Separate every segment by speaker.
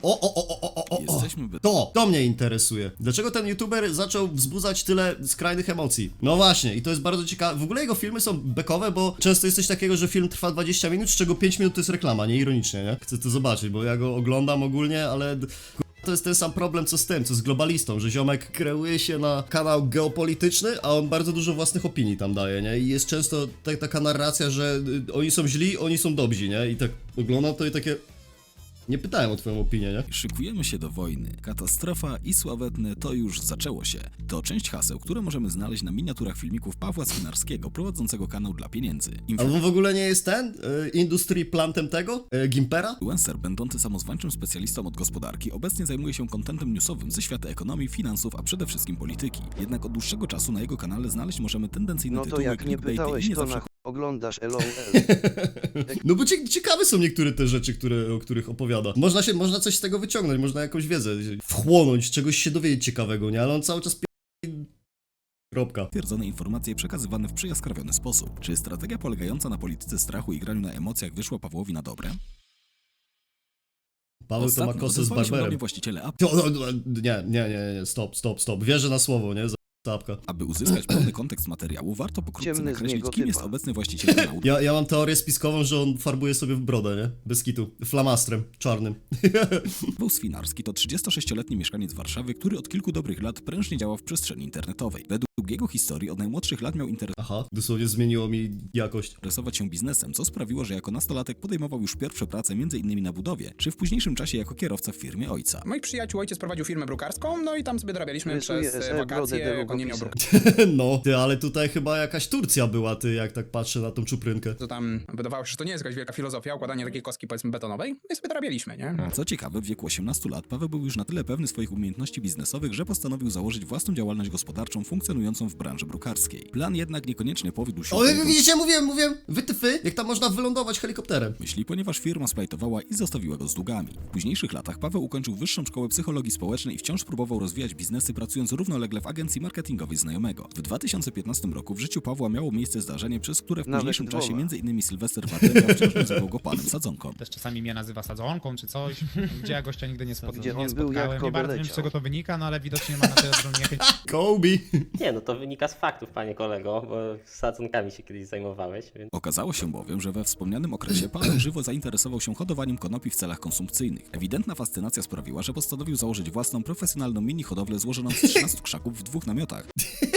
Speaker 1: To mnie interesuje. Dlaczego ten youtuber zaczął wzbudzać tyle skrajnych emocji? No właśnie, i to jest bardzo ciekawe. W ogóle jego filmy są bekowe, bo często jest coś takiego, że film trwa 20 minut, z czego 5 minut to jest reklama, nie ironicznie, nie? Chcę to zobaczyć, bo ja go oglądam ogólnie, ale to jest ten sam problem co z tym, co z globalistą, że ziomek kreuje się na kanał geopolityczny, a on bardzo dużo własnych opinii tam daje, nie? I jest często taka narracja, że oni są źli, oni są dobrzy, nie? I tak oglądam to i takie... Nie pytałem o twoją opinię, nie?
Speaker 2: Szykujemy się do wojny. Katastrofa i sławetne to już zaczęło się. To część haseł, które możemy znaleźć na miniaturach filmików Pawła Swinarskiego, prowadzącego kanał dla pieniędzy.
Speaker 1: A on w ogóle nie jest ten? Industry plantem tego? Gimpera?
Speaker 2: Influencer, będący samozwańczym specjalistą od gospodarki, obecnie zajmuje się kontentem newsowym ze świata ekonomii, finansów, a przede wszystkim polityki. Jednak od dłuższego czasu na jego kanale znaleźć możemy tendencyjne
Speaker 3: No to
Speaker 2: tytuły,
Speaker 3: jak nie
Speaker 2: clickbaity
Speaker 3: pytałeś,
Speaker 2: i nie
Speaker 3: to
Speaker 2: zawsze
Speaker 3: oglądasz LOL.
Speaker 1: No bo ciekawe są niektóre te rzeczy, o których opowiada. Można coś z tego wyciągnąć, można jakąś wiedzę wchłonąć, czegoś się dowiedzieć ciekawego, nie? Ale on cały czas kropka.
Speaker 2: Twierdzone informacje przekazywane w przyjaskrawiony sposób. Czy strategia polegająca na polityce strachu i graniu na emocjach wyszła Pawłowi na dobre?
Speaker 1: Paweł to ma kosę z barberem.
Speaker 2: Właściciele
Speaker 1: Nie, stop. Wierzę na słowo, nie? Zapka.
Speaker 2: Aby uzyskać pełny kontekst materiału, warto pokrótce
Speaker 3: Ciemny z
Speaker 2: nakreślić,
Speaker 3: niego
Speaker 2: kim
Speaker 3: typa.
Speaker 2: jest obecny właściciel kanału.
Speaker 1: Ja mam teorię spiskową, że on farbuje sobie w brodę, nie? Bez kitu. Flamastrem, czarnym.
Speaker 2: Paweł Swinarski to 36-letni mieszkaniec Warszawy, który od kilku dobrych lat prężnie działa w przestrzeni internetowej. Według jego historii od najmłodszych lat miał
Speaker 1: Aha, dosłownie zmieniło mi jakość.
Speaker 2: interesować się biznesem, co sprawiło, że jako nastolatek podejmował już pierwsze prace m.in. na budowie, czy w późniejszym czasie jako kierowca w firmie ojca.
Speaker 4: Moich przyjaciół ojciec prowadził firmę brukarską, no i tam sobie dorabialiśmy
Speaker 3: Rysuje
Speaker 4: przez
Speaker 3: brodę
Speaker 4: wakacje, jak on nie miał
Speaker 3: długopisem.
Speaker 1: No, ty, ale tutaj chyba jakaś Turcja była, ty, jak tak patrzę na tą czuprynkę.
Speaker 4: to tam wydawało się, że to nie jest jakaś wielka filozofia, układanie takiej kostki, powiedzmy, betonowej, no i sobie dorabialiśmy, nie?
Speaker 2: Co ciekawe, w wieku 18 lat Paweł był już na tyle pewny swoich umiejętności biznesowych, że postanowił założyć własną działalność gospodarczą funkcjonującą w branży brukarskiej. Plan jednak niekoniecznie powiódł się.
Speaker 1: O, widzicie, mówiłem, wytyfy, jak tam można wylądować helikopterem.
Speaker 2: myśli, ponieważ firma splajtowała i zostawiła go z długami. W późniejszych latach Paweł ukończył Wyższą Szkołę Psychologii Społecznej i wciąż próbował rozwijać biznesy, pracując równolegle w agencji marketingowej znajomego. W 2015 roku w życiu Pawła miało miejsce zdarzenie, przez które w
Speaker 3: Nawet
Speaker 2: późniejszym czasie
Speaker 3: dwoma.
Speaker 2: m.in. Sylwester Wardenga wciąż nazywał go panem sadzonką.
Speaker 5: Też czasami mnie nazywa sadzonką czy coś, gdzie ja gościa nigdy nie
Speaker 3: Gdzie on
Speaker 5: nie
Speaker 3: był, jak
Speaker 5: spotkałem. Nie bardzo wiem,
Speaker 3: leciał.
Speaker 5: z czego to wynika, no ale widocznie ma na tyle dużą niechęć.
Speaker 1: Kobe.
Speaker 6: Nie, no to wynika z faktów, panie kolego, bo sadzonkami się kiedyś zajmowałeś, więc...
Speaker 2: Okazało się bowiem, że we wspomnianym okresie Paweł żywo zainteresował się hodowaniem konopi w celach konsumpcyjnych. Ewidentna fascynacja sprawiła, że postanowił założyć własną profesjonalną mini-hodowlę złożoną z 13 krzaków w 2 namiotach.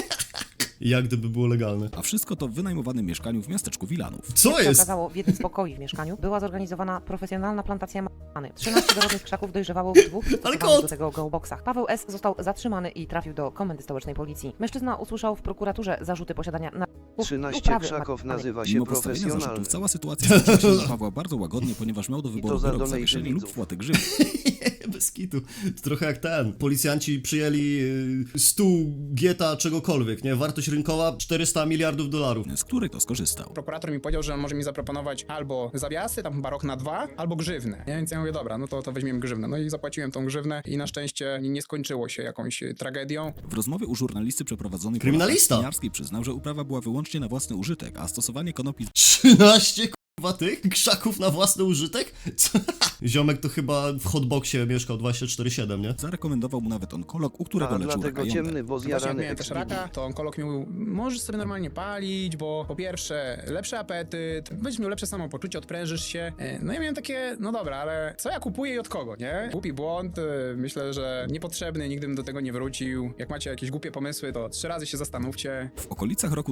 Speaker 1: Jak gdyby było legalne.
Speaker 2: A wszystko to w wynajmowanym mieszkaniu w miasteczku Wilanów.
Speaker 1: Co
Speaker 7: Jak się
Speaker 1: jest?
Speaker 7: okazało, w jednym z pokoi w mieszkaniu była zorganizowana profesjonalna plantacja marihuany. 13 dorodnych krzaków dojrzewało w 2 przystosowanych
Speaker 1: kot!
Speaker 7: do tego geoboxach. Paweł S. został zatrzymany i trafił do komendy stołecznej policji. Mężczyzna usłyszał w prokuraturze zarzuty posiadania narkotyków i
Speaker 3: 13
Speaker 7: uprawy
Speaker 3: krzaków
Speaker 7: marihuany.
Speaker 3: nazywa się
Speaker 2: Mimo postawienia
Speaker 3: profesjonalny.
Speaker 2: zarzutów, cała sytuacja skończyła się dla Pawła bardzo łagodnie, ponieważ miał do wyboru
Speaker 3: za
Speaker 2: wyrok
Speaker 3: donate
Speaker 2: zawieszenia lub
Speaker 3: widzów.
Speaker 2: płatę grzywny.
Speaker 1: Bez kitu. To trochę jak ten. Policjanci przyjęli stół gieta czegokolwiek, nie? Wartość rynkowa 400 miliardów dolarów.
Speaker 2: Z której to skorzystał.
Speaker 4: Prokurator mi powiedział, że może mi zaproponować albo zawiasy, tam chyba rok na 2, albo grzywnę. Nie? Więc ja mówię, dobra, no to weźmiemy grzywnę. No i zapłaciłem tą grzywnę i na szczęście nie skończyło się jakąś tragedią.
Speaker 2: W rozmowie u żurnalisty przeprowadzonej
Speaker 1: Kryminalista.
Speaker 2: po Swiniarskiej przyznał, że uprawa była wyłącznie na własny użytek, a stosowanie konopi
Speaker 1: 13 kurwa tych krzaków na własny użytek? Co? Ziomek to chyba w hotboxie mieszkał 24/7, nie?
Speaker 2: zarekomendował mu nawet onkolog, u którego
Speaker 3: A
Speaker 2: leczył
Speaker 3: dlatego
Speaker 2: raka jąder.
Speaker 3: ciemny, bo
Speaker 4: Właśnie jak
Speaker 3: zjarany
Speaker 4: miałem też
Speaker 3: XBD.
Speaker 4: raka, to onkolog mi mówił, możesz sobie normalnie palić, bo po pierwsze lepszy apetyt, będziesz miał lepsze samopoczucie, odprężysz się. No ja miałem takie, no dobra, ale co ja kupuję i od kogo, nie? Głupi błąd, myślę, że niepotrzebny, nigdy bym do tego nie wrócił. Jak macie jakieś głupie pomysły, to 3 razy się zastanówcie.
Speaker 2: W okolicach roku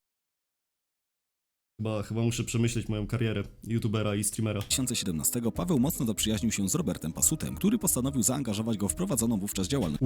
Speaker 1: Chyba muszę przemyśleć moją karierę youtubera i streamera.
Speaker 2: 2017 Paweł mocno zaprzyjaźnił się z Robertem Pasutem, który postanowił zaangażować go w prowadzoną wówczas działalność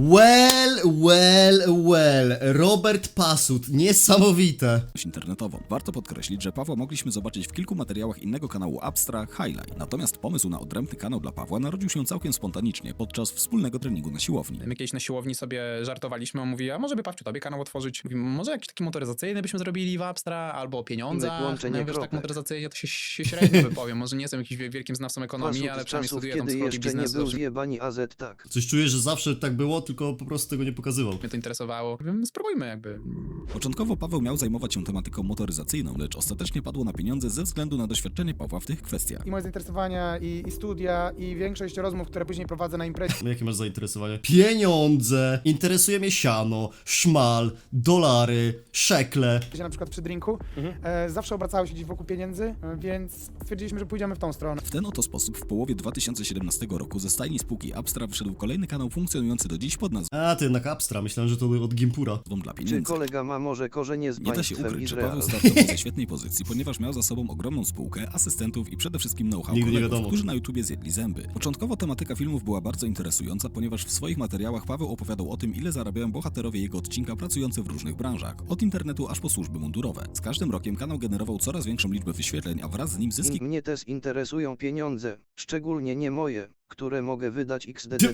Speaker 1: Well. Robert Pasut, niesamowite.
Speaker 2: internetową. Warto podkreślić, że Pawła mogliśmy zobaczyć w kilku materiałach innego kanału Abstra, Highlight. Natomiast pomysł na odrębny kanał dla Pawła narodził się całkiem spontanicznie podczas wspólnego treningu na siłowni.
Speaker 4: My kiedyś na siłowni sobie żartowaliśmy, on mówi, a może by Pawciu tobie kanał otworzyć? Mówi, może jakiś taki motoryzacyjny byśmy zrobili w Abstra, albo o pieniądzach.
Speaker 3: znaczenie,
Speaker 4: No wiesz, tak
Speaker 3: kropek.
Speaker 4: motoryzacyjnie to się średnio wypowiem. Może nie jestem jakimś wielkim znawcą ekonomii,
Speaker 3: Masów
Speaker 4: ale
Speaker 3: z
Speaker 4: przynajmniej
Speaker 3: czasów,
Speaker 4: studiuję tam
Speaker 3: kiedy
Speaker 4: psychologię
Speaker 3: jeszcze nie
Speaker 4: biznesu.
Speaker 3: był
Speaker 4: Zawsze
Speaker 3: zjebani AZ, tak.
Speaker 1: Coś czuję, że zawsze tak było, tylko po prostu tego nie pokazywał.
Speaker 4: mnie to interesowało. Wiem, spróbujmy jakby.
Speaker 2: Początkowo Paweł miał zajmować się tematyką motoryzacyjną, lecz ostatecznie padło na pieniądze ze względu na doświadczenie Pawła w tych kwestiach.
Speaker 8: I moje zainteresowania, i studia, i większość rozmów, które później prowadzę na imprezie,
Speaker 1: Jakie masz zainteresowanie? Pieniądze! Interesuje mnie siano, szmal, dolary, szekle.
Speaker 8: na przykład przy drinku, zawsze obracały się gdzieś wokół pieniędzy, więc stwierdziliśmy, że pójdziemy w tą stronę.
Speaker 2: W ten oto sposób w połowie 2017 roku ze stajni spółki Abstra wszedł kolejny kanał funkcjonujący do dziś pod nazwą
Speaker 1: A, ty jednak Abstra, myślałem, że to od Gimpura.
Speaker 2: Dla
Speaker 3: Czy
Speaker 2: Pieniędzy.
Speaker 3: kolega ma może korzenie z
Speaker 2: Nie da się
Speaker 3: państwem
Speaker 2: ukryć, że
Speaker 3: Izrael?
Speaker 2: Paweł startował ze świetnej pozycji, ponieważ miał za sobą ogromną spółkę, asystentów i przede wszystkim know-how
Speaker 1: Nigdy nie
Speaker 2: kolegów,
Speaker 1: wiadomo.
Speaker 2: którzy na YouTubie zjedli zęby. Początkowo tematyka filmów była bardzo interesująca, ponieważ w swoich materiałach Paweł opowiadał o tym, ile zarabiają bohaterowie jego odcinka pracujący w różnych branżach, od internetu aż po służby mundurowe. Z każdym rokiem kanał generował coraz większą liczbę wyświetleń, a wraz z nim zyski
Speaker 3: Mnie też interesują pieniądze, szczególnie nie moje, które mogę wydać XDD.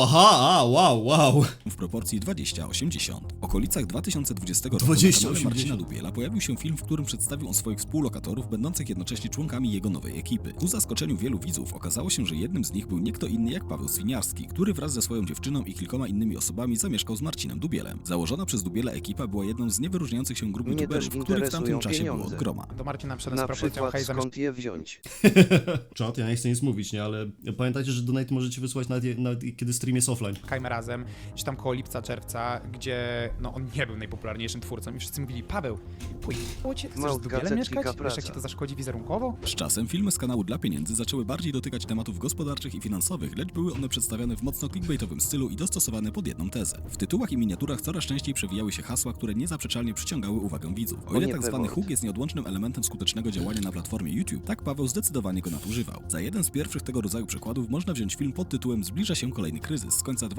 Speaker 1: Wow.
Speaker 2: w proporcji 20-80. W okolicach 2020 roku
Speaker 1: 20-80.
Speaker 2: na kanale Marcina Dubiela pojawił się film, w którym przedstawił on swoich współlokatorów, będących jednocześnie członkami jego nowej ekipy. Ku zaskoczeniu wielu widzów okazało się, że jednym z nich był nie kto inny jak Paweł Swiniarski, który wraz ze swoją dziewczyną i kilkoma innymi osobami zamieszkał z Marcinem Dubielem. Założona przez Dubiela ekipa była jedną z niewyróżniających się grup
Speaker 3: Mnie
Speaker 2: youtuberów,
Speaker 3: też
Speaker 2: których w tamtym
Speaker 3: interesują
Speaker 2: czasie było
Speaker 3: pieniądze.
Speaker 2: od groma.
Speaker 5: Do Marcina przyszedłem z
Speaker 3: Na
Speaker 5: propozycją,
Speaker 3: przykład
Speaker 5: hej, zamiast
Speaker 3: skąd je wziąć?
Speaker 1: Czat, ja nie chcę nic mówić, nie, ale pamiętajcie, że donate możecie wysłać nawet kiedy stream jest offline.
Speaker 5: Kajmy razem, gdzieś tam koło lipca, czerwca, gdzie no on nie był najpopularniejszym twórcą i wszyscy mówili, Paweł, pójdź, chcesz z
Speaker 3: Małtka
Speaker 5: Dubielem
Speaker 3: cetlika
Speaker 5: mieszkać? Wiesz,
Speaker 3: praca.
Speaker 5: jak ci to zaszkodzi wizerunkowo?
Speaker 2: Z czasem filmy z kanału Dla Pieniędzy zaczęły bardziej dotykać tematów gospodarczych i finansowych, lecz były one przedstawiane w mocno clickbaitowym stylu i dostosowane pod jedną tezę. W tytułach i miniaturach coraz częściej przewijały się hasła, które niezaprzeczalnie przyciągały uwagę widzów. O ile
Speaker 3: nie
Speaker 2: tak zwany
Speaker 3: Peword.
Speaker 2: hook jest nieodłącznym elementem skutecznego działania na platformie YouTube, tak Paweł zdecydowanie go nadużywał. Za jeden z pierwszych tego rodzaju przykładów można wziąć film pod tytułem Zbliża się kolejny kryzys z końca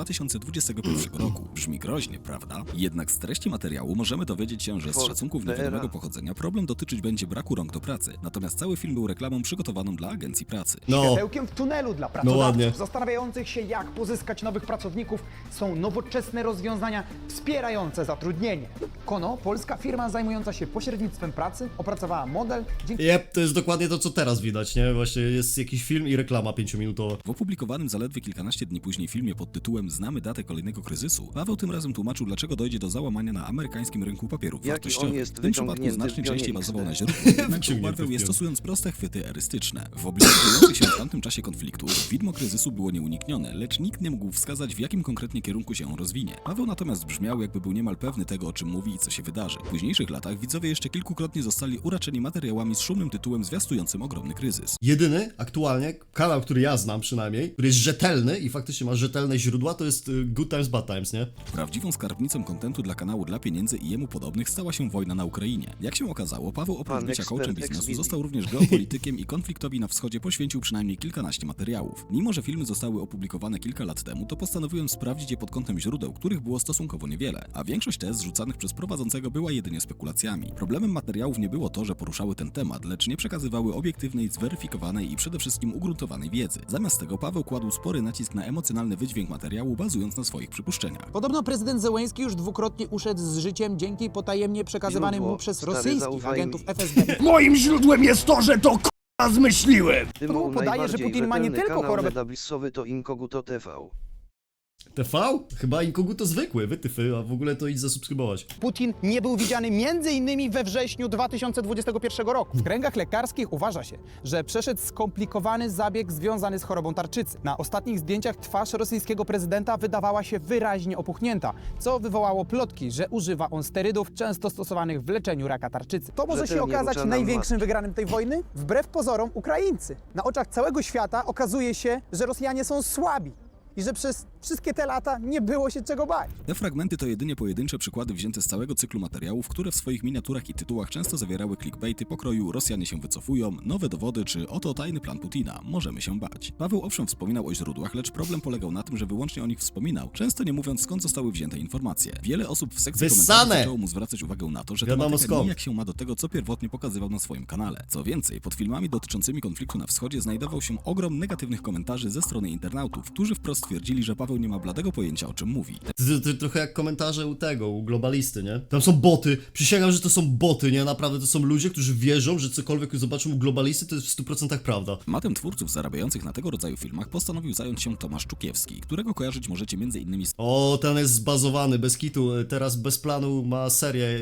Speaker 2: 2021 roku. Brzmi groźnie, prawda? Jednak z treści materiału możemy dowiedzieć się, że z
Speaker 3: Ford
Speaker 2: szacunków
Speaker 3: Fiera.
Speaker 2: niewiadomego pochodzenia problem dotyczyć będzie braku rąk do pracy. Natomiast cały film był reklamą przygotowaną dla agencji pracy.
Speaker 1: No,
Speaker 9: Światełkiem w tunelu dla
Speaker 1: ładnie.
Speaker 9: pracodawców zastanawiających się, jak pozyskać nowych pracowników, są nowoczesne rozwiązania wspierające zatrudnienie. Kono, polska firma zajmująca się pośrednictwem pracy, opracowała model, dzięki
Speaker 1: to jest dokładnie to, co teraz widać, nie? Właśnie jest jakiś film i reklama 5-minutowa.
Speaker 2: W opublikowanym zaledwie kilkanaście dni później filmie pod tytułem Znamy datę kolejnego kryzysu, Paweł tym razem tłumaczył, dlaczego dojdzie do załamania na amerykańskim rynku papierów
Speaker 3: Jaki on
Speaker 2: wartościowych.
Speaker 3: jest
Speaker 2: W tym przypadku
Speaker 3: wyciągnięty
Speaker 2: znacznie
Speaker 3: w pionie
Speaker 2: częściej
Speaker 3: XD.
Speaker 2: bazował na źródłach, jednak
Speaker 1: Wyciągnięty
Speaker 2: ubarwiał
Speaker 1: w
Speaker 2: je
Speaker 1: pionie.
Speaker 2: stosując proste chwyty erystyczne. W obliczu dziejących się w tamtym czasie konfliktów, widmo kryzysu było nieuniknione, lecz nikt nie mógł wskazać, w jakim konkretnie kierunku się on rozwinie. Paweł natomiast brzmiał, jakby był niemal pewny tego, o czym mówi i co się wydarzy. W późniejszych latach widzowie jeszcze kilkukrotnie zostali uraczeni materiałami z szumnym tytułem zwiastującym ogromny kryzys.
Speaker 1: Jedyny aktualnie kanał, który ja znam przynajmniej, który jest rzetelny i faktycznie ma rzetelne źródła, to jest Good Times, Bad Times, nie?
Speaker 2: Prawdziwą skarbnicą kontentu dla kanału Dla Pieniędzy i jemu podobnych stała się wojna na Ukrainie. Jak się okazało, Paweł oprócz
Speaker 3: Pan
Speaker 2: bycia coachem
Speaker 3: ekspert
Speaker 2: biznesu
Speaker 3: Expedia.
Speaker 2: został również geopolitykiem i konfliktowi na wschodzie poświęcił przynajmniej kilkanaście materiałów. Mimo że filmy zostały opublikowane kilka lat temu, to postanowiłem sprawdzić je pod kątem źródeł, których było stosunkowo niewiele, a większość tez zrzucanych przez prowadzącego była jedynie spekulacjami. Problemem materiałów nie było to, że poruszały ten temat, lecz nie przekazywały obiektywnej, zweryfikowanej i przede wszystkim ugruntowanej wiedzy. Zamiast tego Paweł kładł spory nacisk na emocjonalny wydźwięk materiału, bazując na swoich przypuszczeniach.
Speaker 9: Podobno prezydent Zełenski już dwukrotnie uszedł z życiem dzięki potajemnie przekazywanym
Speaker 3: Źródło,
Speaker 9: mu przez
Speaker 3: stary,
Speaker 9: rosyjskich
Speaker 3: zaufaj
Speaker 9: agentów
Speaker 3: mi.
Speaker 9: FSB.
Speaker 10: Moim źródłem jest to, że to k***a zmyśliłem.
Speaker 3: Tymą
Speaker 9: podaje, że
Speaker 3: najbardziej
Speaker 9: Putin ma nie
Speaker 3: rzetelny
Speaker 9: tylko
Speaker 3: kanał
Speaker 9: chorobę-
Speaker 3: Zedablissowy to Inkoguto TV.
Speaker 1: TV? Chyba Inkoguto zwykły, wytyfy, a w ogóle to idź zasubskrybować.
Speaker 9: Putin nie był widziany m.in. we wrześniu 2021 roku. W kręgach lekarskich uważa się, że przeszedł skomplikowany zabieg związany z chorobą tarczycy. Na ostatnich zdjęciach twarz rosyjskiego prezydenta wydawała się wyraźnie opuchnięta, co wywołało plotki, że używa on sterydów często stosowanych w leczeniu raka tarczycy. To może się
Speaker 3: Rzetelnie
Speaker 9: okazać
Speaker 3: rucza nam
Speaker 9: największym
Speaker 3: matki.
Speaker 9: wygranym tej wojny? Wbrew pozorom Ukraińcy. Na oczach całego świata okazuje się, że Rosjanie są słabi i że przez wszystkie te lata nie było się czego bać.
Speaker 2: Te fragmenty to jedynie pojedyncze przykłady wzięte z całego cyklu materiałów, które w swoich miniaturach i tytułach często zawierały clickbaity pokroju Rosjanie się wycofują, nowe dowody czy oto tajny plan Putina, możemy się bać. Paweł owszem wspominał o źródłach, lecz problem polegał na tym, że wyłącznie o nich wspominał, często nie mówiąc skąd zostały wzięte informacje. Wiele osób w sekcji
Speaker 1: Wyssane!
Speaker 2: komentarzy zaczęło mu zwracać uwagę na to, że
Speaker 1: Wiadomo
Speaker 2: tematyka
Speaker 1: skąd.
Speaker 2: nijak się ma do tego, co pierwotnie pokazywał na swoim kanale. Co więcej, pod filmami dotyczącymi konfliktu na wschodzie znajdował się ogrom negatywnych komentarzy ze strony internautów, którzy wprost stwierdzili, że Paweł nie ma bladego pojęcia, o czym mówi.
Speaker 1: Trochę jak komentarze u tego, u globalisty, nie? Tam są boty, przysięgam, że to są boty, nie? Naprawdę to są ludzie, którzy wierzą, że cokolwiek zobaczą u globalisty, to jest w 100% prawda.
Speaker 2: Tematem twórców zarabiających na tego rodzaju filmach postanowił zająć się Tomasz Czukiewski, którego kojarzyć możecie m.in. z
Speaker 1: O, ten jest zbazowany, bez kitu, teraz bez planu ma serię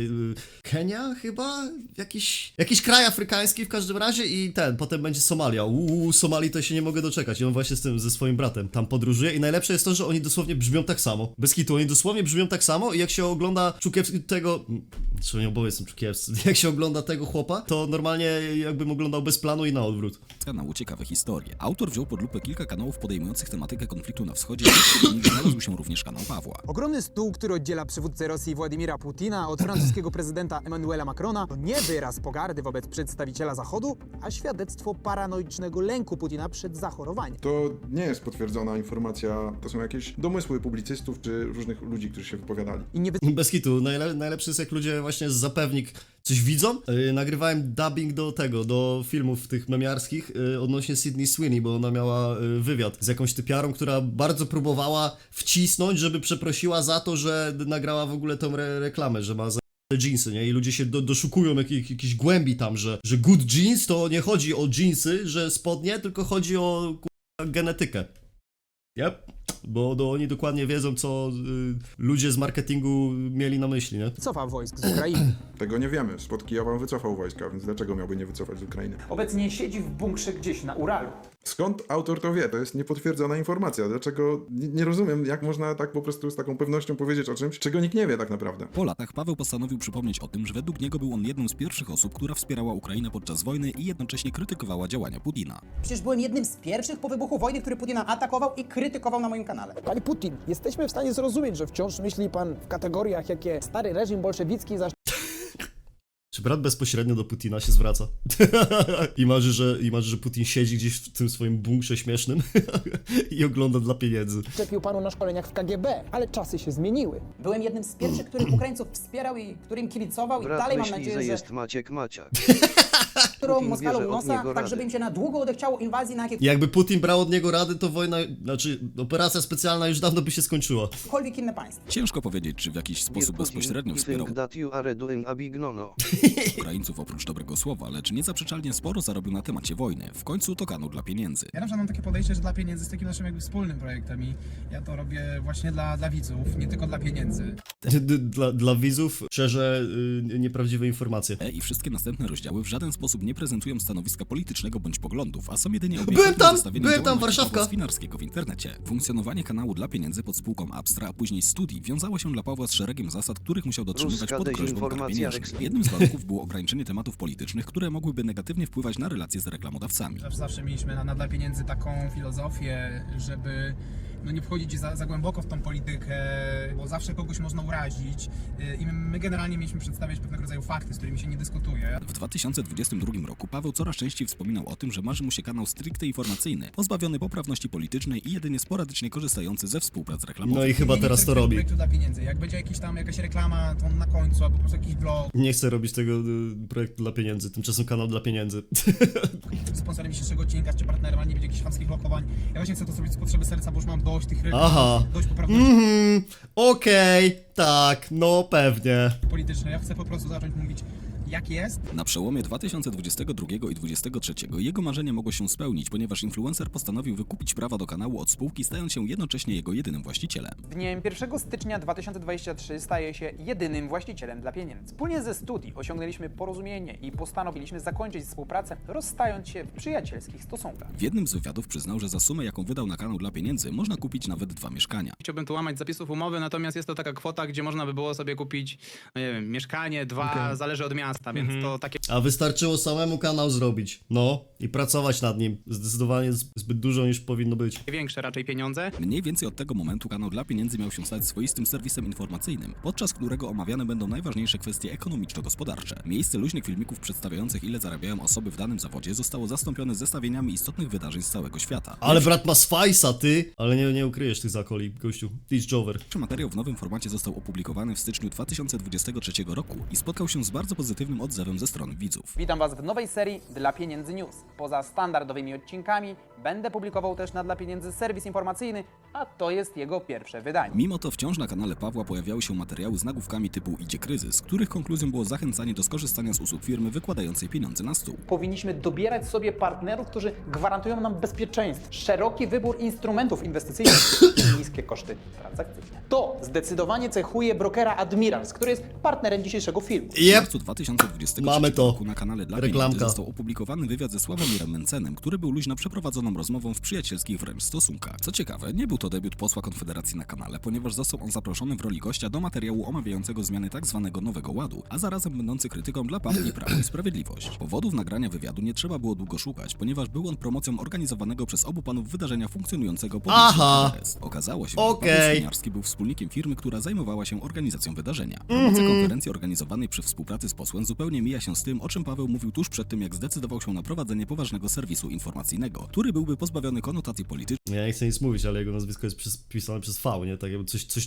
Speaker 1: Kenia chyba? Jakiś kraj afrykański w każdym razie i potem będzie Somalia. Somalii to się nie mogę doczekać i on właśnie ze swoim bratem tam podróżuje i najlepsze jest to, że oni dosłownie brzmią tak samo. Bez kitu, oni dosłownie brzmią tak samo i jak się ogląda tego... Czy oni oboje są Czukiewscy? Jak się ogląda tego chłopa, to normalnie jakbym oglądał bez planu i na odwrót.
Speaker 2: kanału Ciekawe Historie. Autor wziął pod lupę kilka kanałów podejmujących tematykę konfliktu na wschodzie, wśród nich znalazł się również kanał Pawła.
Speaker 9: Ogromny stół, który oddziela przywódcę Rosji Władimira Putina od francuskiego prezydenta Emmanuela Macrona, to nie wyraz pogardy wobec przedstawiciela Zachodu, a świadectwo paranoicznego lęku Putina przed zachorowaniem.
Speaker 11: To nie jest potwierdzona informacja, to są jakieś domysły publicystów czy różnych ludzi, którzy się wypowiadali.
Speaker 9: I nie
Speaker 1: Bez kitu, najlepszy jest jak ludzie właśnie z zapewnik coś widzą. Nagrywałem dubbing do filmów tych memiarskich odnośnie Sydney Sweeney, bo ona miała wywiad z jakąś typiarą, która bardzo próbowała wcisnąć, żeby przeprosiła za to, że nagrała w ogóle tą reklamę, że ma za jeansy, nie? I ludzie się doszukują jakiejś głębi tam, że good jeans to nie chodzi o jeansy, że spodnie, tylko chodzi o genetykę. Yep. Bo oni dokładnie wiedzą, co ludzie z marketingu mieli na myśli, nie?
Speaker 9: cofa wojsk z Ukrainy.
Speaker 11: Tego nie wiemy. Spod Kijowa wycofał wojska, więc dlaczego miałby nie wycofać z Ukrainy?
Speaker 9: Obecnie siedzi w bunkrze gdzieś na Uralu.
Speaker 11: Skąd autor to wie? To jest niepotwierdzona informacja. Dlaczego? Nie rozumiem, jak można tak po prostu z taką pewnością powiedzieć o czymś, czego nikt nie wie tak naprawdę.
Speaker 2: Po latach Paweł postanowił przypomnieć o tym, że według niego był on jedną z pierwszych osób, która wspierała Ukrainę podczas wojny i jednocześnie krytykowała działania Putina.
Speaker 9: Przecież byłem jednym z pierwszych po wybuchu wojny, który Putina atakował i krytykował na moim kanale. Panie Putin, jesteśmy w stanie zrozumieć, że wciąż myśli pan w kategoriach, jakie stary reżim bolszewicki
Speaker 1: Czy brat bezpośrednio do Putina się zwraca? I marzy, że Putin siedzi gdzieś w tym swoim bunkrze śmiesznym i ogląda dla pieniędzy.
Speaker 9: zaszczepił panu na szkoleniach w KGB, ale czasy się zmieniły. Byłem jednym z pierwszych, których Ukraińców wspierał i którym kibicował i
Speaker 3: Brat
Speaker 9: dalej mam
Speaker 3: myśli,
Speaker 9: nadzieję,
Speaker 3: że
Speaker 9: że
Speaker 3: jest Maciek Maciak.
Speaker 9: którą
Speaker 3: Putin
Speaker 9: Moskalą
Speaker 3: bierze od
Speaker 9: nosa,
Speaker 3: niego
Speaker 9: tak
Speaker 3: rady.
Speaker 9: żeby im się na długo odechciało inwazji na
Speaker 1: Jakby Putin brał od niego rady, to wojna, operacja specjalna już dawno by się skończyła.
Speaker 9: jakiekolwiek inne państwo.
Speaker 2: Ciężko powiedzieć, czy w jakiś sposób bezpośrednio wspierał
Speaker 3: think that you are doing a big no-no.
Speaker 2: Ukraińców oprócz dobrego słowa, lecz niezaprzeczalnie sporo zarobił na temacie wojny. W końcu to kanał dla pieniędzy.
Speaker 4: Ja na przykład mam takie podejście, że dla pieniędzy jest takim naszym jakby wspólnym projektem i ja to robię właśnie dla widzów, nie tylko dla pieniędzy.
Speaker 1: Dla widzów szczerze nieprawdziwe informacje.
Speaker 2: I wszystkie następne rozdziały w żaden sposób nie prezentują stanowiska politycznego bądź poglądów, a są jedynie
Speaker 1: Byłem
Speaker 2: obiektywnym
Speaker 1: tam,
Speaker 2: zestawieniem
Speaker 1: byłem tam,
Speaker 2: działalności
Speaker 1: Warszawka.
Speaker 2: Pawła Swinarskiego w internecie. Funkcjonowanie kanału dla pieniędzy pod spółką Abstra, a później Studi wiązało się dla Pawła z szeregiem zasad, których musiał dotrzymywać
Speaker 3: Ruska
Speaker 2: pod groźbą kar
Speaker 3: dezinformacja
Speaker 2: pieniężnych. Jednym z warunków było ograniczenie tematów politycznych, które mogłyby negatywnie wpływać na relacje z reklamodawcami.
Speaker 4: Zawsze mieliśmy na dla pieniędzy taką filozofię, żeby nie wchodzić za głęboko w tą politykę, bo zawsze kogoś można urazić i my generalnie mieliśmy przedstawiać pewnego rodzaju fakty, z którymi się nie dyskutuje.
Speaker 2: W 2022 roku Paweł coraz częściej wspominał o tym, że marzy mu się kanał stricte informacyjny, pozbawiony poprawności politycznej i jedynie sporadycznie korzystający ze współprac reklamowych.
Speaker 1: No i chyba
Speaker 4: Nie
Speaker 1: teraz
Speaker 4: chcę
Speaker 1: to robi.
Speaker 4: projektu dla pieniędzy. Jak będzie jakaś reklama, to na końcu, albo po prostu jakiś blog.
Speaker 1: Nie chcę robić tego projektu dla pieniędzy, tymczasem kanał dla pieniędzy.
Speaker 4: Sponsorem dzisiejszego odcinka czy partnerem, ale nie będzie jakichś chamskich lokowań. Ja właśnie chcę to zrobić z potrzeby serca, bo już mam dość tych reklam,
Speaker 1: Aha.
Speaker 4: dość poprawności
Speaker 1: Okej, tak, no pewnie.
Speaker 4: politycznej. Ja chcę po prostu zacząć mówić, jak jest.
Speaker 2: Na przełomie 2022 i 2023 jego marzenie mogło się spełnić, ponieważ influencer postanowił wykupić prawa do kanału od spółki, stając się jednocześnie jego jedynym właścicielem.
Speaker 9: Dniem 1 stycznia 2023 staje się jedynym właścicielem dla pieniędzy. Wspólnie ze Studi osiągnęliśmy porozumienie i postanowiliśmy zakończyć współpracę, rozstając się w przyjacielskich stosunkach.
Speaker 2: W jednym z wywiadów przyznał, że za sumę, jaką wydał na kanał dla pieniędzy, można kupić nawet 2 mieszkania.
Speaker 4: Chciałbym tu łamać zapisów umowy, natomiast jest to taka kwota, gdzie można by było sobie kupić, no nie wiem, mieszkanie, 2, zależy od miasta, więc to takie
Speaker 1: A wystarczyło samemu kanał zrobić. No i pracować nad nim. Zdecydowanie zbyt dużo niż powinno być.
Speaker 4: większe raczej pieniądze.
Speaker 2: Mniej więcej od tego momentu kanał dla pieniędzy miał się stać swoistym serwisem informacyjnym, podczas którego omawiane będą najważniejsze kwestie ekonomiczno-gospodarcze. Miejsce luźnych filmików przedstawiających, ile zarabiają osoby w danym zawodzie, zostało zastąpione zestawieniami istotnych wydarzeń z całego świata.
Speaker 1: Ale brat ma swajsa, ty! Ale nie ukryjesz tych zakoli, gościu. Teach Jover.
Speaker 2: Pierwszy materiał w nowym formacie został opublikowany w styczniu 2023 roku i spotkał się z bardzo pozytywną pozytywnym odzewem ze strony widzów.
Speaker 9: Witam Was w nowej serii Dla Pieniędzy News. Poza standardowymi odcinkami będę publikował też na Dla Pieniędzy serwis informacyjny, a to jest jego pierwsze wydanie.
Speaker 2: Mimo to wciąż na kanale Pawła pojawiały się materiały z nagłówkami typu idzie kryzys, których konkluzją było zachęcanie do skorzystania z usług firmy wykładającej pieniądze na stół.
Speaker 9: Powinniśmy dobierać sobie partnerów, którzy gwarantują nam bezpieczeństwo, szeroki wybór instrumentów inwestycyjnych i niskie koszty transakcyjne. To zdecydowanie cechuje brokera Admirals, który jest partnerem dzisiejszego filmu.
Speaker 2: W marcu 2023
Speaker 1: Mamy to.
Speaker 2: roku na kanale Dla
Speaker 1: Reklamka.
Speaker 2: Pieniędzy został opublikowany wywiad ze Sławomirem Mencenem, który był luźno przeprowadzoną rozmową w przyjacielskich wręcz stosunkach. Co ciekawe, nie był to debiut posła Konfederacji na kanale, ponieważ został on zaproszony w roli gościa do materiału omawiającego zmiany tzw. Nowego Ładu, a zarazem będący krytyką dla partii Prawo i Sprawiedliwość. Powodów nagrania wywiadu nie trzeba było długo szukać, ponieważ był on promocją organizowanego przez obu panów wydarzenia funkcjonującego pod
Speaker 1: Aha.
Speaker 2: KRS. Okazało się, że
Speaker 1: Okej.
Speaker 2: Paweł Swiniarski był wspólnikiem firmy, która zajmowała się organizacją wydarzenia. Promocja konferencji organizowanej przy współpracy z posłem zupełnie mija się z tym, o czym Paweł mówił tuż przed tym, jak zdecydował się na prowadzenie poważnego serwisu informacyjnego, który byłby pozbawiony konotacji politycznych.
Speaker 1: Ja nie chcę nic mówić, ale jego nazwisko jest pisane przez V, nie? Tak jakby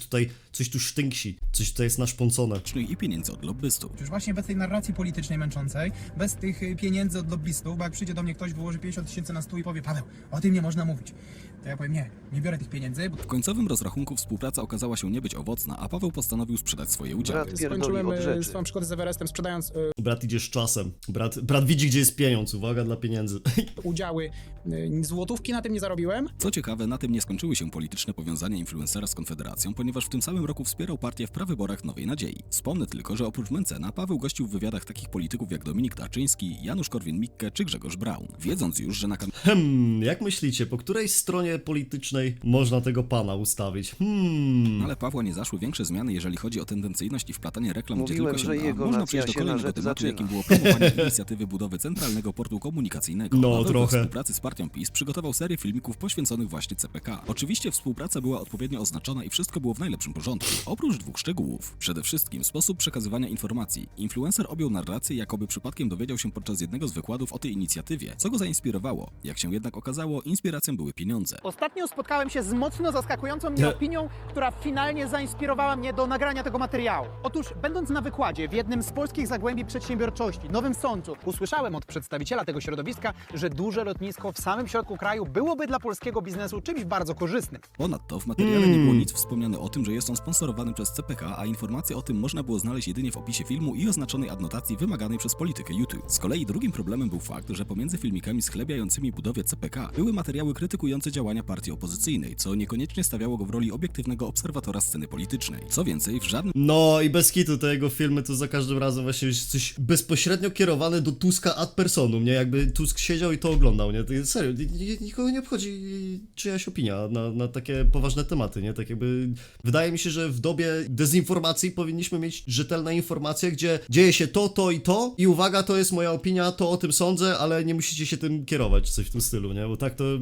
Speaker 1: coś tu sztynksi, coś tutaj jest naszpącone.
Speaker 2: I pieniędzy od lobbystów.
Speaker 12: Już właśnie bez tej narracji politycznej męczącej, bez tych pieniędzy od lobbystów, bo jak przyjdzie do mnie ktoś, wyłoży 50 000 na stół i powie: Paweł, o tym nie można mówić. To ja powiem: nie biorę tych pieniędzy.
Speaker 2: W końcowym rozrachunku współpraca okazała się nie być owocna, a Paweł postanowił sprzedać swoje udziały.
Speaker 3: Brat pierdoli
Speaker 4: Skończyłem
Speaker 3: od rzeczy.
Speaker 4: swoją przygodę z Everestem, sprzedając
Speaker 1: Brat idzie z czasem. Brat widzi, gdzie jest pieniądz. Uwaga, dla pieniędzy.
Speaker 4: udziały. Złotówki na tym nie zarobiłem.
Speaker 2: Co ciekawe, na tym nie skończyły się polityczne powiązania influencera z Konfederacją, ponieważ w tym samym roku wspierał partię w prawyborach Nowej Nadziei. Wspomnę tylko, że oprócz Mencena, Paweł gościł w wywiadach takich polityków jak Dominik Tarczyński, Janusz Korwin-Mikke czy Grzegorz Braun. Wiedząc już, że na
Speaker 1: Jak myślicie, po której stronie politycznej można tego pana ustawić?
Speaker 2: ale Pawła nie zaszły większe zmiany, jeżeli chodzi o tendencyjność i wplatanie reklam,
Speaker 3: Mówiłem,
Speaker 2: gdzie
Speaker 3: że
Speaker 2: tylko się da.
Speaker 3: jego
Speaker 2: Można
Speaker 3: nacja
Speaker 2: przejść do
Speaker 3: się na
Speaker 2: kolejnego
Speaker 3: rzecz
Speaker 2: tematu,
Speaker 3: zaczyna.
Speaker 2: jakim było promowanie inicjatywy budowy Centralnego Portu Komunikacyjnego.
Speaker 1: No,
Speaker 2: Paweł
Speaker 1: trochę.
Speaker 2: we współpracy z partią PiS przygotował serię filmików poświęconych właśnie CPK. Oczywiście współpraca była odpowiednio oznaczona i wszystko było w najlepszym porządku. Oprócz dwóch szczegółów. Przede wszystkim sposób przekazywania informacji. Influencer objął narrację, jakoby przypadkiem dowiedział się podczas jednego z wykładów o tej inicjatywie, co go zainspirowało. Jak się jednak okazało, inspiracją były pieniądze.
Speaker 9: Ostatnio spotkałem się z mocno zaskakującą mnie opinią, która finalnie zainspirowała mnie do nagrania tego materiału. Otóż, będąc na wykładzie w jednym z polskich zagłębi przedsiębiorczości, Nowym Sączu, usłyszałem od przedstawiciela tego środowiska, że duże lotnisko w samym środku kraju byłoby dla polskiego biznesu czymś bardzo korzystnym.
Speaker 2: Ponadto w materiale nie było nic wspomniane o tym, że jest on sponsorowany przez CPK, a informacje o tym można było znaleźć jedynie w opisie filmu i oznaczonej adnotacji wymaganej przez politykę YouTube. Z kolei drugim problemem był fakt, że pomiędzy filmikami schlebiającymi budowie CPK były materiały krytykujące działania partii opozycyjnej, co niekoniecznie stawiało go w roli obiektywnego obserwatora sceny politycznej. Co więcej, w żadnym
Speaker 1: No i bez kitu te jego filmy to za każdym razem właśnie jest coś bezpośrednio kierowane do Tuska ad personum, nie? Jakby Tusk siedział i to oglądał, nie? To jest serio, nikogo nie obchodzi czyjaś opinia na takie poważne tematy, nie? Tak jakby wydaje mi się, że w dobie dezinformacji powinniśmy mieć rzetelne informacje, gdzie dzieje się to i uwaga, to jest moja opinia, to o tym sądzę, ale nie musicie się tym kierować, coś w tym stylu, nie? Bo tak to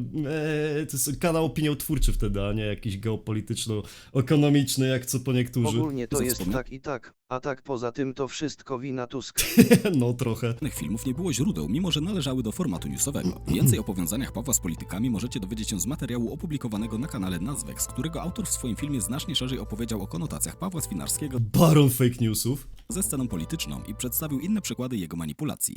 Speaker 1: jest kanał opiniotwórczy wtedy, a nie jakiś geopolityczno-ekonomiczny, jak co po niektórzy.
Speaker 3: Ogólnie to jest
Speaker 2: Zapomnę-
Speaker 3: tak i tak, a tak poza tym to wszystko wina Tuska.
Speaker 1: No trochę.
Speaker 2: filmów nie było źródeł, mimo że należały do formatu newsowego. Więcej o powiązaniach Pawła z politykami możecie dowiedzieć się z materiału opublikowanego na kanale Nazwex, którego autor w swoim filmie znacznie szerzej opowiedział o konotacjach Pawła Swinarskiego
Speaker 1: Baron fake newsów.
Speaker 2: ze sceną polityczną i przedstawił inne przykłady jego manipulacji.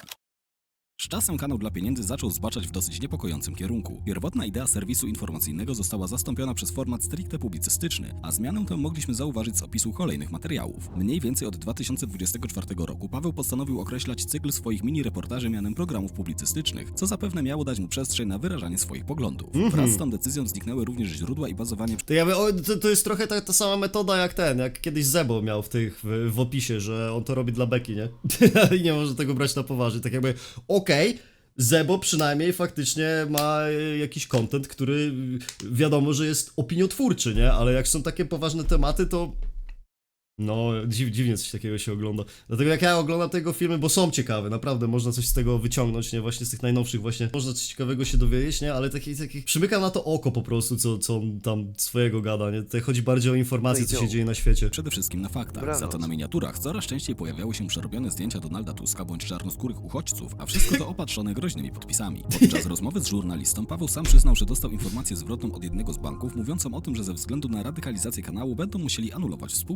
Speaker 2: Z czasem kanał Dla Pieniędzy zaczął zbaczać w dosyć niepokojącym kierunku. Pierwotna idea serwisu informacyjnego została zastąpiona przez format stricte publicystyczny, a zmianę tę mogliśmy zauważyć z opisu kolejnych materiałów. Mniej więcej od 2024 roku Paweł postanowił określać cykl swoich mini-reportaży mianem programów publicystycznych, co zapewne miało dać mu przestrzeń na wyrażanie swoich poglądów. Wraz z tą decyzją zniknęły również źródła i bazowanie
Speaker 1: To, to jest trochę ta sama metoda jak kiedyś Zebo miał w opisie, że on to robi dla beki, nie? I nie może tego brać na poważnie, tak jakby okej, Zebo przynajmniej faktycznie ma jakiś content, który wiadomo, że jest opiniotwórczy, nie? Ale jak są takie poważne tematy, to no, dziwnie coś takiego się ogląda. Dlatego jak ja oglądam tego filmy, bo są ciekawe, naprawdę można coś z tego wyciągnąć, nie? Właśnie z tych najnowszych właśnie można coś ciekawego się dowiedzieć, nie? Ale taki przymykam na to oko po prostu, co on tam swojego gada, nie? Tutaj chodzi bardziej o informacje, co się dzieje na świecie.
Speaker 2: przede wszystkim na faktach. Za to na miniaturach coraz częściej pojawiały się przerobione zdjęcia Donalda Tuska bądź czarnoskórych uchodźców, a wszystko to opatrzone groźnymi podpisami. Podczas rozmowy z żurnalistą Paweł sam przyznał, że dostał informację zwrotną od jednego z banków, mówiącą o tym, że ze względu na radykalizację kanału będą musieli anulować współpracę.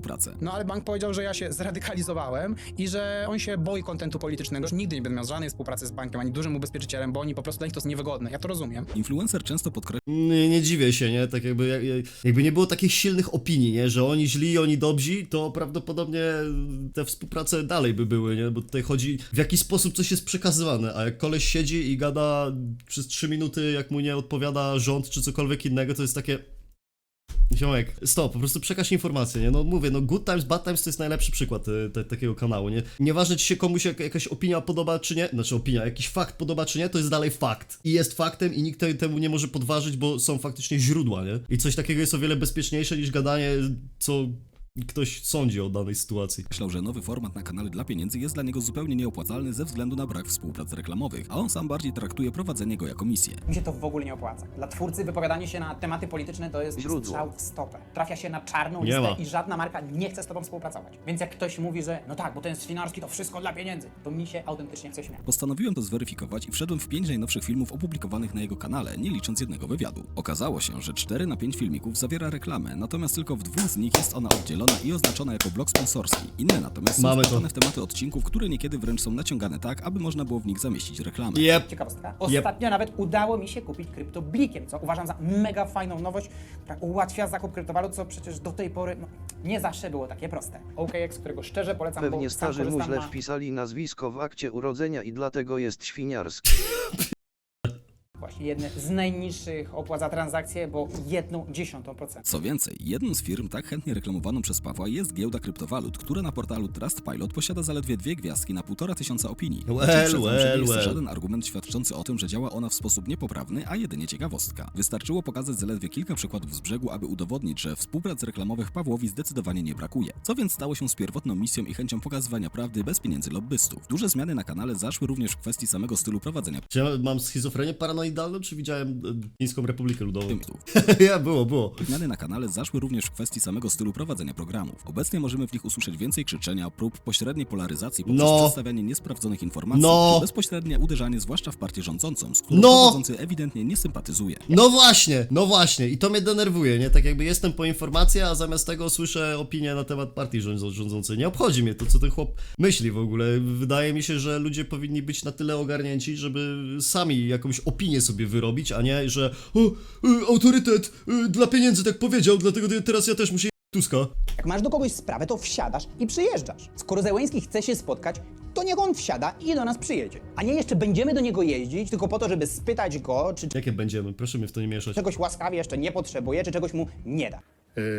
Speaker 4: No ale bank powiedział, że ja się zradykalizowałem i że on się boi kontentu politycznego, że nigdy nie będę miał żadnej współpracy z bankiem, ani dużym ubezpieczycielem, bo oni po prostu dla nich to jest niewygodne. Ja to rozumiem.
Speaker 2: Influencer często podkreśla,
Speaker 1: Nie dziwię się, nie? Tak jakby nie było takich silnych opinii, nie? Że oni źli, oni dobrzy, to prawdopodobnie te współprace dalej by były, nie? Bo tutaj chodzi w jaki sposób coś jest przekazywane, a jak koleś siedzi i gada przez 3 minuty, jak mu nie odpowiada rząd czy cokolwiek innego, to jest takie... Ziomek, stop, po prostu przekaż informację, nie? No mówię, no Good Times, Bad Times to jest najlepszy przykład takiego kanału, nie? Nieważne, czy się komuś jakaś opinia podoba, czy nie, znaczy opinia, jakiś fakt podoba, czy nie, to jest dalej fakt. I jest faktem i nikt temu nie może podważyć, bo są faktycznie źródła, nie? I coś takiego jest o wiele bezpieczniejsze niż gadanie, co ktoś sądzi o danej sytuacji.
Speaker 2: że nowy format na kanale dla pieniędzy jest dla niego zupełnie nieopłacalny ze względu na brak współprac reklamowych, a on sam bardziej traktuje prowadzenie go jako misję.
Speaker 9: Mi się to w ogóle nie opłaca. Dla twórcy wypowiadanie się na tematy polityczne to jest
Speaker 3: Źródło.
Speaker 9: strzał w stopę. Trafia się na czarną
Speaker 1: Nie
Speaker 9: listę
Speaker 1: ma.
Speaker 9: i żadna marka nie chce z tobą współpracować. Więc jak ktoś mówi, że no tak, bo ten Swinarski to wszystko dla pieniędzy, to mi się autentycznie chce śmiać.
Speaker 2: Postanowiłem to zweryfikować i wszedłem w 5 najnowszych filmów opublikowanych na jego kanale, nie licząc jednego wywiadu. Okazało się, że 4 na 5 filmików zawiera reklamę, natomiast tylko w 2 z nich jest ona oddzielona i oznaczona jako blok sponsorski. Inne natomiast są
Speaker 1: Mamy to.
Speaker 2: wplecione w tematy odcinków, które niekiedy wręcz są naciągane tak, aby można było w nich zamieścić reklamę.
Speaker 1: Jep.
Speaker 9: Ciekawostka. Ostatnio nawet udało mi się kupić kryptoblikiem, co uważam za mega fajną nowość, która ułatwia zakup kryptowalut, co przecież do tej pory nie zawsze było takie proste. OKX, którego szczerze polecam,
Speaker 3: Pewnie
Speaker 9: bo sam
Speaker 3: starzy mu
Speaker 9: korzystam
Speaker 3: źle
Speaker 9: na...
Speaker 3: wpisali nazwisko w akcie urodzenia i dlatego jest świniarski.
Speaker 9: Właśnie jedne z najniższych opłat za transakcje, bo 0,1%.
Speaker 2: Co więcej, jedną z firm tak chętnie reklamowaną przez Pawła jest giełda kryptowalut, która na portalu Trustpilot posiada zaledwie 2 gwiazdki na 1500 opinii. Uprzedzam, że nie jest to żaden argument świadczący o tym, że działa ona w sposób niepoprawny, a jedynie ciekawostka. Wystarczyło pokazać zaledwie kilka przykładów z brzegu, aby udowodnić, że współprac reklamowych Pawłowi zdecydowanie nie brakuje. Co więc stało się z pierwotną misją i chęcią pokazywania prawdy bez pieniędzy lobbystów. Duże zmiany na kanale zaszły również w kwestii samego stylu prowadzenia
Speaker 1: Czy ja mam schizofrenię paranoidalną, czy widziałem Chińską Republikę Ludową?
Speaker 2: filmów.
Speaker 1: Ja, było.
Speaker 2: Zmiany na kanale zaszły również w kwestii samego stylu prowadzenia programów. Obecnie możemy w nich usłyszeć więcej krzyczenia, prób pośredniej polaryzacji poprzez przedstawianie niesprawdzonych informacji, czy bezpośrednie uderzanie zwłaszcza w partię rządzącą, z którą prowadzący ewidentnie nie sympatyzuje.
Speaker 1: No właśnie, i to mnie denerwuje, nie? Tak jakby jestem po informacji, a zamiast tego słyszę opinię na temat partii rządzącej. Nie obchodzi mnie to, co ten chłop myśli w ogóle. Wydaje mi się, że ludzie powinni być na tyle ogarnięci, żeby sami jakąś opinię sobie wyrobić, a nie, że autorytet dla pieniędzy tak powiedział, dlatego teraz ja też muszę Tuska.
Speaker 9: Jak masz do kogoś sprawę, to wsiadasz i przyjeżdżasz. Skoro Zełenski chce się spotkać, to niech on wsiada i do nas przyjedzie. A nie jeszcze będziemy do niego jeździć, tylko po to, żeby spytać go, czy
Speaker 1: Jakie będziemy? Proszę mnie w to nie mieszać.
Speaker 9: czegoś łaskawie jeszcze nie potrzebuje, czy czegoś mu nie da.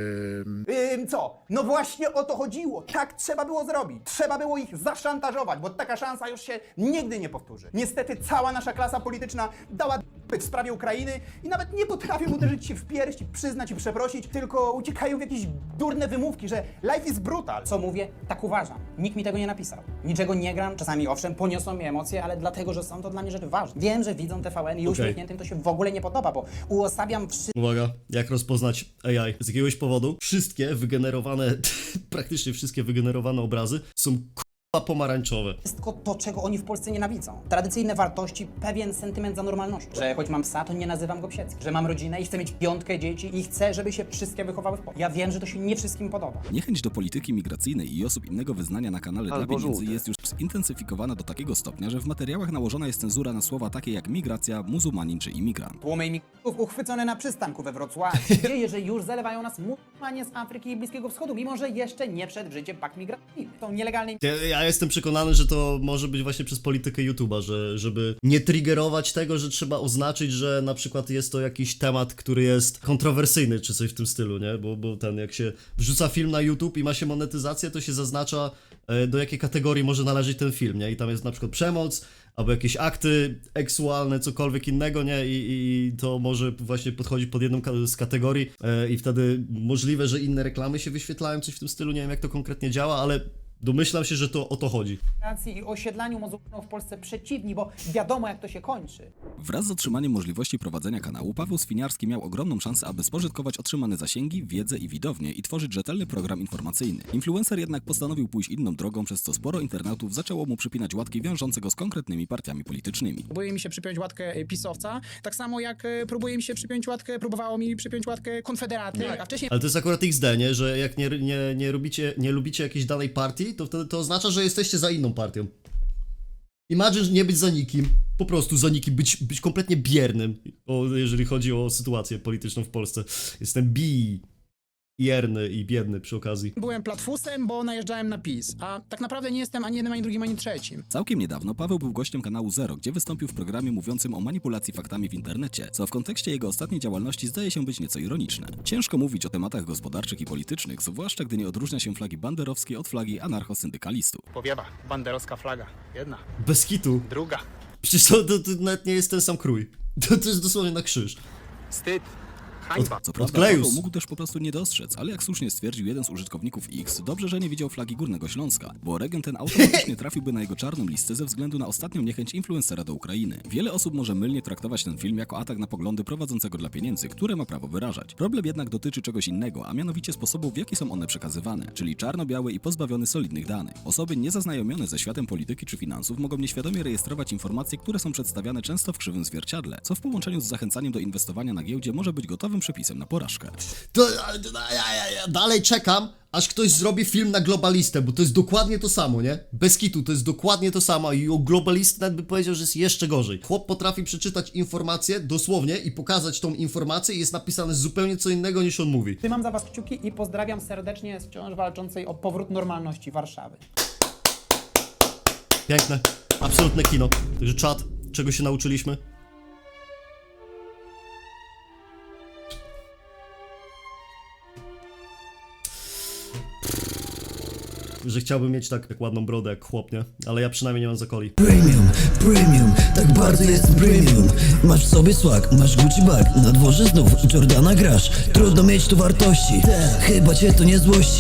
Speaker 9: Co? No właśnie o to chodziło. Tak trzeba było zrobić. Trzeba było ich zaszantażować, bo taka szansa już się nigdy nie powtórzy. Niestety cała nasza klasa polityczna dała w sprawie Ukrainy i nawet nie potrafią uderzyć się w pierś i przyznać i przeprosić, tylko uciekają w jakieś durne wymówki, że life is brutal. Co mówię? Tak uważam. Nikt mi tego nie napisał. Niczego nie gram, czasami owszem, poniosą mnie emocje, ale dlatego, że są to dla mnie rzeczy ważne. Wiem, że widzą TVN i uśmiechniętym to się w ogóle nie podoba, bo uosabiam
Speaker 1: Uwaga, jak rozpoznać AI? Z jakiegoś powodu wszystkie wygenerowane, praktycznie wszystkie wygenerowane obrazy są pomarańczowe.
Speaker 9: wszystko to, czego oni w Polsce nienawidzą. Tradycyjne wartości, pewien sentyment za normalnością. Że choć mam psa, to nie nazywam go psieckim. Że mam rodzinę i chcę mieć 5 dzieci i chcę, żeby się wszystkie wychowały w Polsce. Ja wiem, że to się nie wszystkim podoba.
Speaker 2: Niechęć do polityki migracyjnej i osób innego wyznania na kanale
Speaker 3: Albo
Speaker 2: dla pieniędzy
Speaker 3: żółte.
Speaker 2: jest już zintensyfikowana do takiego stopnia, że w materiałach nałożona jest cenzura na słowa takie jak migracja, muzułmanin czy imigrant.
Speaker 9: Tłumy imigrantów uchwycone na przystanku we Wrocławiu. Dzieje, że już zalewają nas muzułmanie z Afryki i Bliskiego Wschodu, mimo że jeszcze nie wszedł w życie pakt migracyjny. Są nielegalne
Speaker 1: Ja jestem przekonany, że to może być właśnie przez politykę YouTube'a, żeby nie triggerować tego, że trzeba oznaczyć, że na przykład jest to jakiś temat, który jest kontrowersyjny, czy coś w tym stylu, nie? Bo ten, jak się wrzuca film na YouTube i ma się monetyzację, to się zaznacza, do jakiej kategorii może należeć ten film, nie? I tam jest na przykład przemoc, albo jakieś akty seksualne, cokolwiek innego, nie? I to może właśnie podchodzić pod jedną z kategorii i wtedy możliwe, że inne reklamy się wyświetlają, coś w tym stylu, nie wiem jak to konkretnie działa, ale Domyślam się, że to o to chodzi.
Speaker 9: i osiedlaniu muzułmanów w Polsce przeciwni, bo wiadomo jak to się kończy.
Speaker 2: Wraz z otrzymaniem możliwości prowadzenia kanału, Paweł Swiniarski miał ogromną szansę, aby spożytkować otrzymane zasięgi, wiedzę i widownię i tworzyć rzetelny program informacyjny. Influencer jednak postanowił pójść inną drogą, przez co sporo internautów zaczęło mu przypinać łatki wiążące go z konkretnymi partiami politycznymi.
Speaker 4: Próbuje mi się przypiąć łatkę pisowca, tak samo jak próbowało mi przypiąć łatkę Konfederaty, a wcześniej
Speaker 1: Ale to jest akurat XD, nie? Że jak nie lubicie jakiejś danej partii, to wtedy to oznacza, że jesteście za inną partią. Imagine nie być za nikim, po prostu za nikim, być kompletnie biernym, jeżeli chodzi o sytuację polityczną w Polsce. Jestem bierny i biedny przy okazji.
Speaker 4: byłem platfusem, bo najeżdżałem na PiS, a tak naprawdę nie jestem ani jednym, ani drugim, ani trzecim.
Speaker 2: Całkiem niedawno Paweł był gościem kanału Zero, gdzie wystąpił w programie mówiącym o manipulacji faktami w internecie, co w kontekście jego ostatniej działalności zdaje się być nieco ironiczne. Ciężko mówić o tematach gospodarczych i politycznych, zwłaszcza gdy nie odróżnia się flagi banderowskiej od flagi anarchosyndykalistów.
Speaker 5: Powiewa, banderowska flaga. Jedna,
Speaker 1: Bez kitu.
Speaker 5: druga.
Speaker 1: Przecież to nawet nie jest ten sam krój. To jest dosłownie na krzyż.
Speaker 5: Wstyd. Hańba.
Speaker 2: Co prawda
Speaker 1: Odklejus.
Speaker 2: Paweł mógł też po prostu nie dostrzec, ale jak słusznie stwierdził jeden z użytkowników X, dobrze, że nie widział flagi Górnego Śląska, bo region ten automatycznie trafiłby na jego czarną listę ze względu na ostatnią niechęć influencera do Ukrainy. Wiele osób może mylnie traktować ten film jako atak na poglądy prowadzącego dla pieniędzy, które ma prawo wyrażać. Problem jednak dotyczy czegoś innego, a mianowicie sposobu, w jaki są one przekazywane, czyli czarno-białe i pozbawione solidnych danych. Osoby niezaznajomione ze światem polityki czy finansów mogą nieświadomie rejestrować informacje, które są przedstawiane często w krzywym zwierciadle, co w połączeniu z zachęcaniem do inwestowania na giełdzie może być gotowym przepisem na porażkę.
Speaker 1: To ja dalej czekam, aż ktoś zrobi film na globalistę, bo to jest dokładnie to samo, nie? Bez kitu, to jest dokładnie to samo i o globalistę nawet by powiedział, że jest jeszcze gorzej. Chłop potrafi przeczytać informację dosłownie i pokazać tą informację i jest napisane zupełnie co innego niż on mówi.
Speaker 9: Trzymam za was kciuki i pozdrawiam serdecznie z wciąż walczącej o powrót normalności Warszawy.
Speaker 1: Piękne, absolutne kino. Także czat, czego się nauczyliśmy? Że chciałbym mieć tak ładną brodę jak chłop, nie? Ale ja przynajmniej nie mam zakoli.
Speaker 10: Premium, tak bardzo jest premium. Masz w sobie swag, masz Gucci bag, na dworze znów Jordana grasz. Trudno mieć tu wartości, chyba cię to nie złości.